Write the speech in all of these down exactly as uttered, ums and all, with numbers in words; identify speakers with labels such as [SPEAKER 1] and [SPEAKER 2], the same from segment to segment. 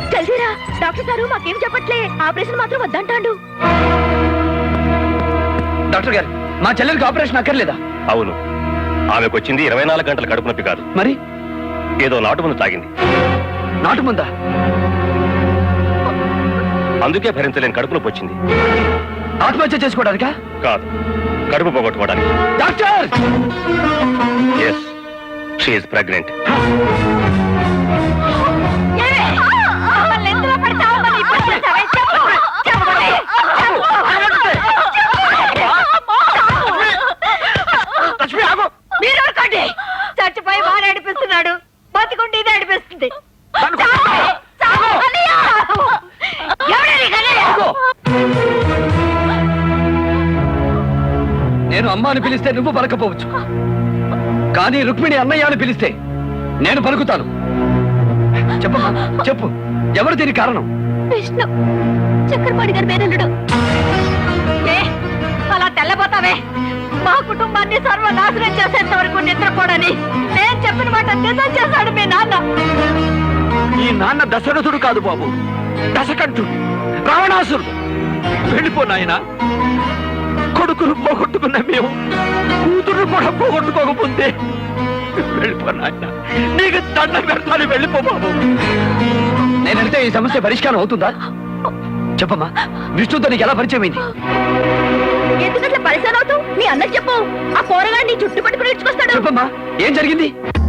[SPEAKER 1] జల్దీరా, doctor గారు మాకేం చెప్పట్లే, ఆపరేషన్ మాత్రం వద్దంటాడు.
[SPEAKER 2] డాక్టర్ గారు, మా చెల్లెలికి ఆపరేషన్ అక్కర్లేదా?
[SPEAKER 3] అవును, ఆమెకు వచ్చింది ఇరవై నాలుగు గంటల కడుపు నొప్పి కాదు,
[SPEAKER 2] మరి
[SPEAKER 3] ఏదో నాటు మందు తాగింది.
[SPEAKER 2] నాటు మందా?
[SPEAKER 3] అందుకే భరించలేని కడుపు నొప్పి వచ్చింది.
[SPEAKER 2] ఆత్మహత్య చేసుకోవడానికా?
[SPEAKER 3] కాదు, కడుపు పోగొట్టుకోవడానికి.
[SPEAKER 2] Doctor!
[SPEAKER 3] Yes, she is pregnant.
[SPEAKER 1] చచ్చిపోయి వాడు అడిపిస్తున్నాడు, బతికుంటే ఇది అడిపిస్తుంది.
[SPEAKER 2] నేను అమ్మ అని పిలిస్తే నువ్వు పలకపోవచ్చు, కానీ రుక్మిణి అన్నయ్య అని పిలిస్తే నేను పలుకుతాను. చెప్పమ్మా, చెప్పు, ఎవరు దీని కారణం?
[SPEAKER 1] విష్ణు, చక్రపాణి గారి పేరుడు. అలా తెల్లబోతావే, మా కుటుంబాన్ని సర్వనాశనం చేసేంత వరకు నిద్రపోడని నేను చెప్పిన మాట నిజం చేశాడు మీ నాన్న.
[SPEAKER 2] ఈ నాన్న దశరథుడు కాదు బాబు, దశకంఠుడు, రావణాసురుడు. వెళ్ళిపో నాయనా. కొడుకును పోగొట్టుకున్న మేము కూతురు కూడా పోగొట్టుకోకపోతే వెళ్ళిపో నాయన. నీకు దండం పెడతాను, వెళ్ళిపో బాబు. నేనంటే ఈ సమస్య పరిష్కారం అవుతుందా? చెప్పమ్మా, విష్ణుతో నీకు ఎలా పరిచయం అయింది?
[SPEAKER 1] ఎందుకంటే పరిచయం అవుతూ నీ అన్నకి చెప్పు, ఆ పోరగాడు నీ చుట్టు పట్టుకుని ఇచ్చుకొస్తాడు.
[SPEAKER 2] చెప్పమ్మా, ఏం జరిగింది?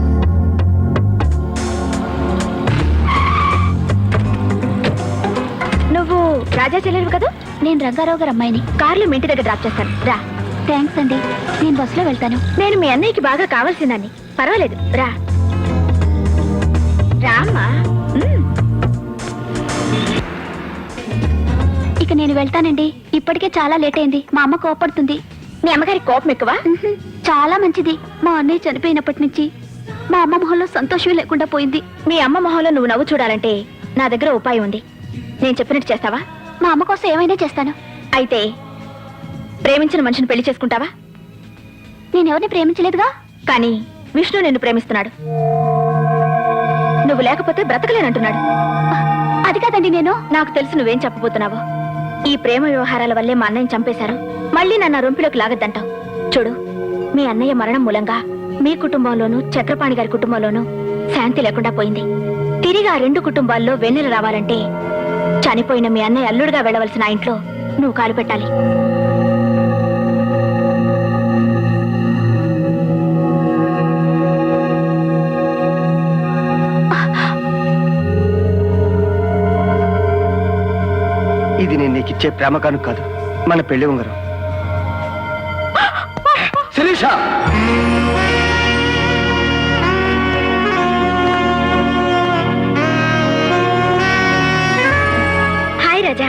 [SPEAKER 1] నువ్వు రాజా చెల్లెలు కదా? నేను రంగారావు గారు అమ్మాయిని. కార్లో మీ ఇంటి దగ్గర డ్రాప్ చేస్తాను, రా. థ్యాంక్స్ అండి, నేను బస్సులో వెళ్తాను. నేను మీ అన్నయ్యకి బాగా కావాల్సిందాన్ని. పర్వాలేదు, రా రామ్మా. ఇక నేను వెళ్తానండి, ఇప్పటికే చాలా లేట్ అయింది. మా అమ్మ కోపడుతుంది. మీ అమ్మగారి కోపం ఎక్కువ? చాలా మంచిది. మా అన్నయ్య చనిపోయినప్పటి నుంచి మా అమ్మ మొహంలో సంతోషం లేకుండా పోయింది. మీ అమ్మ మొహంలో నువ్వు నవ్వు చూడాలంటే నా దగ్గర ఉపాయం ఉంది. నేను చెప్పినట్టు చేస్తావా? మా అమ్మ కోసం ఏమైనా చేస్తాను. అయితే ప్రేమించిన మనిషిని పెళ్లి చేసుకుంటావా? నేనెవరిని ప్రేమించలేదుగా, కానీ విష్ణు నిన్ను ప్రేమిస్తున్నాడు. నువ్వు లేకపోతే బ్రతకలేనంటున్నాడు. అది కాదండి, నేను నాకు తెలుసు నువ్వేం చెప్పబోతున్నావో. ఈ ప్రేమ వ్యవహారాల వల్లే మా అన్నయ్యని చంపేశారు. మళ్ళీ నన్ను రొంపిలోకి లాగద్దంటావు. చూడు, మీ అన్నయ్య మరణం మూలంగా మీ కుటుంబంలోనూ చక్రపాణి గారి కుటుంబంలోనూ శాంతి లేకుండా పోయింది. తిరిగి ఆ రెండు కుటుంబాల్లో వెన్నెల రావాలంటే చనిపోయిన మీ అన్నయ్య అల్లుడుగా వెళ్ళవలసిన ఆ ఇంట్లో నువ్వు కాలు పెట్టాలి.
[SPEAKER 2] ఇది నేను నీకు ఇచ్చే ప్రేమ కానుక కాదు, మన పెళ్లి ఉంగరం. శిరీష,
[SPEAKER 1] హాయ్ రాజా.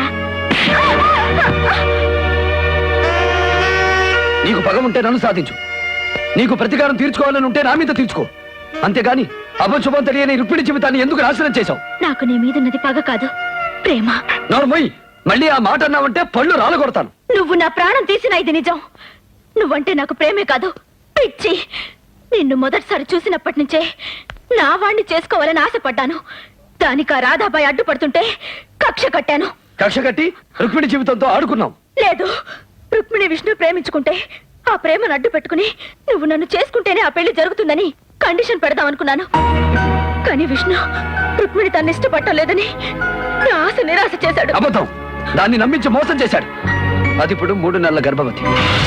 [SPEAKER 2] నీకు పగ ఉంటే నన్ను సాధించు, నీకు ప్రతీకారం తీర్చుకోవాలని ఉంటే నా మీద తీర్చుకో. అంతేగాని అపశుభం తెలియని రుక్మిణి జీవితాన్ని ఎందుకు నాశనం చేశావు?
[SPEAKER 1] నాకు నీ మీద ఉన్నది పగ కాదు, ప్రేమ.
[SPEAKER 2] నోర్మోయ్, మళ్ళీ ఆ మాట అన్నావంటే పళ్ళు రాలగొడతాను.
[SPEAKER 1] నువ్వు నా ప్రాణం తీసిన ఇది నిజం. నువ్వంటే నాకు ప్రేమే కాదు, పిచ్చి. నిన్ను మొదటిసారి చూసినప్పటి నుంచే నా వాణ్ణి చేసుకోవాలని ఆశపడ్డాను. దానికి ఆ రాధాబాయి అడ్డుపడుతుంటే కక్ష కట్టాను.
[SPEAKER 2] కక్ష కట్టి రుక్మిణి జీవితంతో ఆడుకున్నావు?
[SPEAKER 1] లేదు, రుక్మిణి విష్ణు ప్రేమించుకుంటే ఆ ప్రేమను అడ్డు పెట్టుకుని నువ్వు నన్ను చేసుకుంటేనే ఆ పెళ్లి జరుగుతుందని కండిషన్ పెడదాం అనుకున్నాను. కానీ విష్ణు రుక్మిణి తను ఇష్టపట్టలేదని నా ఆశ నిరాశ చేశాడు.
[SPEAKER 2] అబద్ధం. దాన్ని నమ్మించి మోసం చేశాడు. అది ఇప్పుడు మూడు నెలల గర్భవతి.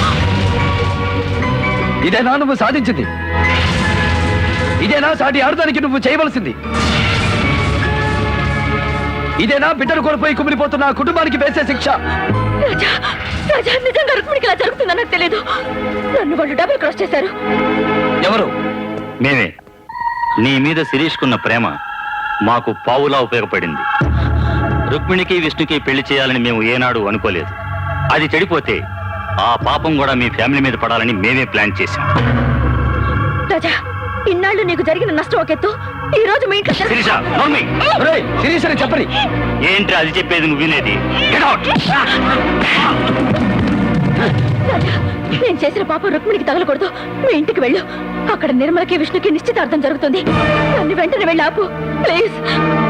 [SPEAKER 2] ఇదేనా నువ్వు సాధించింది? ఇదేనా సాటి ఆడదానికి నువ్వు చేయవలసింది? ఇదేనా బిడ్డను కోల్పోయి కుమిలిపోతున్న కుటుంబానికి వేసే శిక్ష?
[SPEAKER 1] రాజా, రాజా, నిజంగా రుక్మిణికి ఇలా జరుగుతుందని నాకు తెలియదు. నన్ను వాళ్ళు డబుల్ క్రాస్ చేశారు.
[SPEAKER 2] ఎవరు?
[SPEAKER 3] మేమే. నీ మీద శిరీష్కున్న ప్రేమ మాకు పావులా ఉపయోగపడింది. రుక్మిణికి విష్ణుకి పెళ్లి చేయాలని మేము ఏనాడు అనుకోలేదు. అది చెడిపోతే ఆ పాపం కూడా మీ ఫ్యామిలీ మీద పడాలని మేమే ప్లాన్ చేశాం.
[SPEAKER 1] రాజా, ఇన్నాళ్ళు నీకు జరిగిన నష్టం ఒకెత్తు, ఈ రోజు మీ ఇంట్లో
[SPEAKER 3] శిరీష, నోర్మి.
[SPEAKER 2] ఒరేయ్, శిరీషని చెప్పని.
[SPEAKER 3] ఏంటి అది చెప్పేది నువ్వు వినేది? Get out!
[SPEAKER 1] రాజా, నేను చేసిన పాపం రుక్మిణికి తగలకూడదు. మీ ఇంటికి వెళ్ళు. అక్కడ నిర్మలకి విష్ణుకి నిశ్చితార్థం జరుగుతుంది. నన్ను వెంటనే వెళ్ళి ఆపు, ప్లీజ్.